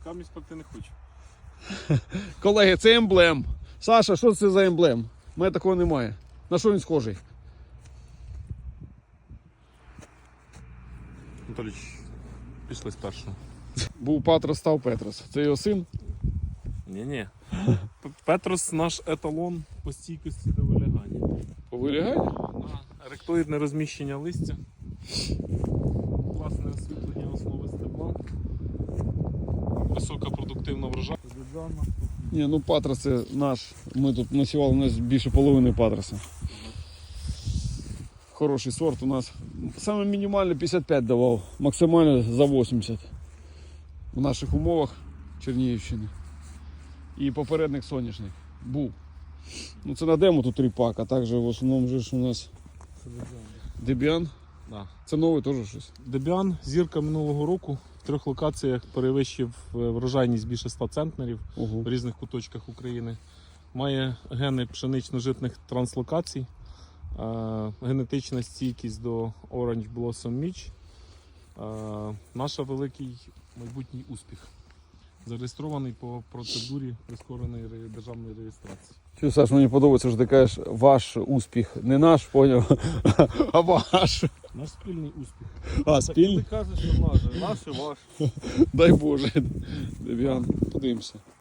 поки мені спекти не хочу. Колеги, це емблем. Саша, що це за емблем? У мене такого немає. На що він схожий? Анатолійович, пішли з першого. Був Патрос, став Петрос. Це його син? Ні-ні. Петрос наш еталон по стійкості до вилягання. По виліганню? Ректоїдне розміщення листя. Класне освітлення основи стебла. Висока продуктивна врожай. Ні, ну Патрос це наш. Ми тут насівали, у нас більше половини Патроса. Хороший сорт у нас. Саме мінімальне 55 давав, максимально за 80. В наших умовах Чернігівщини. І попередник соняшник був. Ну це на демо тут ріпак, а також в основному же ж у нас Дебіан. Да. Це новий теж щось. Дебіан, зірка минулого року, в 3 локаціях перевищив врожайність більше 100 центнерів Ого. в різних куточках України. Має гени пшенично-житних транслокацій, генетична стійкість до Orange Blossom Mitch. Наш великий майбутній успіх. Зареєстрований по процедурі прискореної державної реєстрації. Що, Саш, мені подобається, що ти кажеш, ваш успіх. Не наш, поняв, а ваш. Наш спільний успіх. А, спільний? Ти кажеш, що наш і ваш. Дай Боже. Дебіан, подивимося.